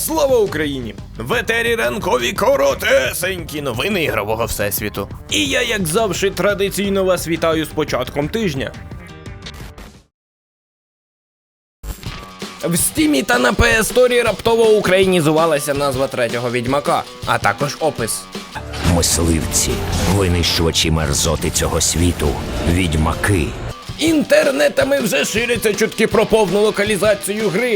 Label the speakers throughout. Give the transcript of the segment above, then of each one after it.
Speaker 1: Слава Україні! В етері ранкові коротесенькі новини ігрового всесвіту. І я, як завжди, традиційно вас вітаю з початком тижня. В Стімі та на PS Store раптово українізувалася назва третього Відьмака, а також опис.
Speaker 2: Мисливці, винищувачі мерзоти цього світу, відьмаки.
Speaker 1: Інтернетами вже ширяться чутки про повну локалізацію гри.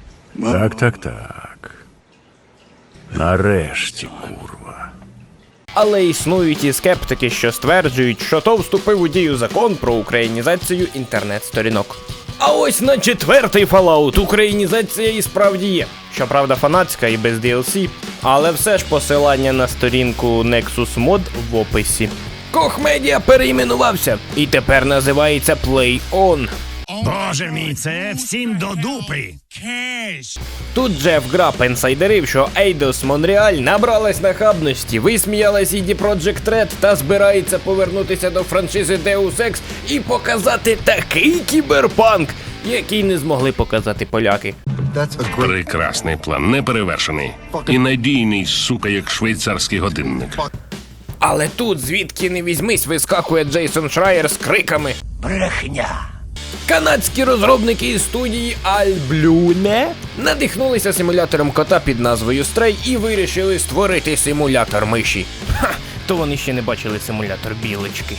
Speaker 3: Так. Нарешті, курва.
Speaker 1: Але існують і скептики, що стверджують, що то вступив у дію закон про українізацію інтернет-сторінок. А ось на четвертий Fallout українізація і справді є. Щоправда, фанатська і без DLC, але все ж посилання на сторінку Nexus Mod в описі. Koch Media перейменувався і тепер називається Play On.
Speaker 4: Боже мій, це всім до дупи.
Speaker 1: Тут Джеф Граб інсайдерив, що Eidos Montreal набралась нахабності, висміялась CD Projekt Red та збирається повернутися до франшизи Deus Ex і показати такий кіберпанк, який не змогли показати поляки.
Speaker 5: Прекрасний план, неперевершений. І надійний, сука, як швейцарський годинник.
Speaker 1: Але тут, звідки не візьмись, вискакує Джейсон Шрайер з криками.
Speaker 2: Брехня.
Speaker 1: Канадські розробники із студії Alblune надихнулися симулятором кота під назвою Stray і вирішили створити симулятор миші. Ха, то вони ще не бачили симулятор білочки.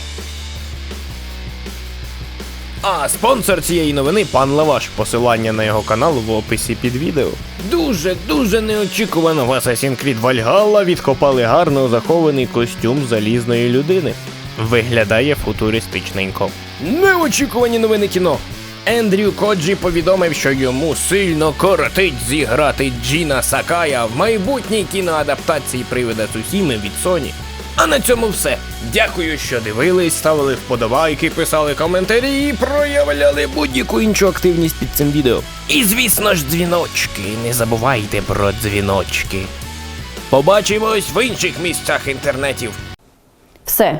Speaker 1: А спонсор цієї новини – пан Лаваш. Посилання на його канал в описі під відео. Дуже неочікувано в Assassin's Creed Valhalla відкопали гарно захований костюм залізної людини. Виглядає футуристичненько. Неочікувані новини кіно. Ендрю Коджі повідомив, що йому сильно кортить зіграти Джіна Сакая в майбутній кіноадаптації Привида Цусіми від Sony. А на цьому все. Дякую, що дивились, ставили вподобайки, писали коментарі і проявляли будь-яку іншу активність під цим відео. І звісно ж дзвіночки, не забувайте про дзвіночки. Побачимось в інших місцях інтернетів.
Speaker 6: Все,